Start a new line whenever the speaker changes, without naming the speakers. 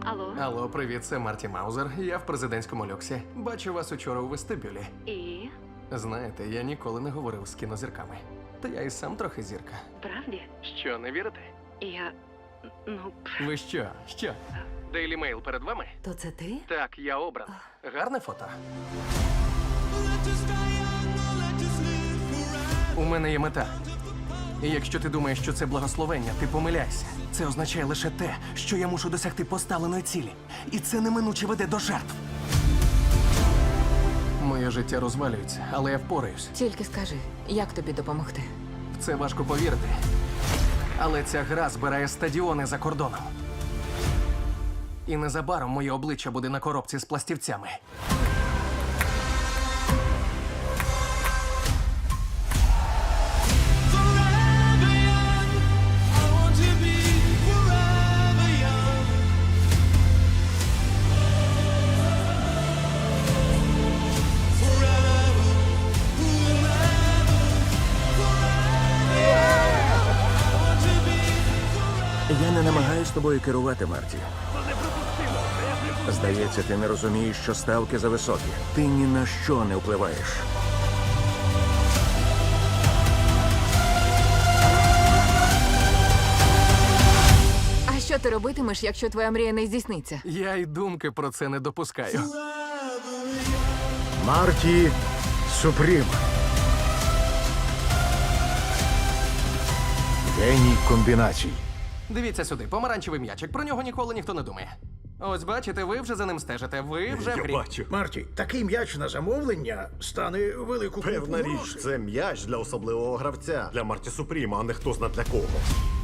Алло.
Алло, привіт, це Марті Маузер. Я в президентському люксі. Бачу вас учора у вестибюлі.
І?
Знаєте, я ніколи не говорив з кінозірками. Та я і сам трохи зірка.
Правді?
Що, не вірите?
Я. Ну.
Ви що? Що? Daily Mail перед вами?
То це ти?
Так, я обран. Гарне фото. У мене є мета. І якщо ти думаєш, що це благословення, ти помиляйся. Це означає лише те, що я мушу досягти поставленої цілі. І це неминуче веде до жертв. Моє життя розвалюється, але я впораюсь.
Тільки скажи, як тобі допомогти?
В це важко повірити. Але ця гра збирає стадіони за кордоном. І незабаром моє обличчя буде на коробці з пластівцями.
Я не намагаюсь тобою керувати, Марті. Здається, ти не розумієш, що ставки зависокі. Ти ні на що не впливаєш.
А що ти робитимеш, якщо твоя мрія не здійсниться?
Я й думки про це не допускаю.
Марті Супрім. Геній комбінацій.
Дивіться сюди, помаранчевий м'ячик. Про нього ніколи ніхто не думає. Ось бачите, ви вже за ним стежите. Ви вже в грі.
Марті, такий м'яч на замовлення стане велику купу
Певна річ,
грошей.
це м'яч для особливого гравця. Для Марті Супріма, а не хто зна для кого.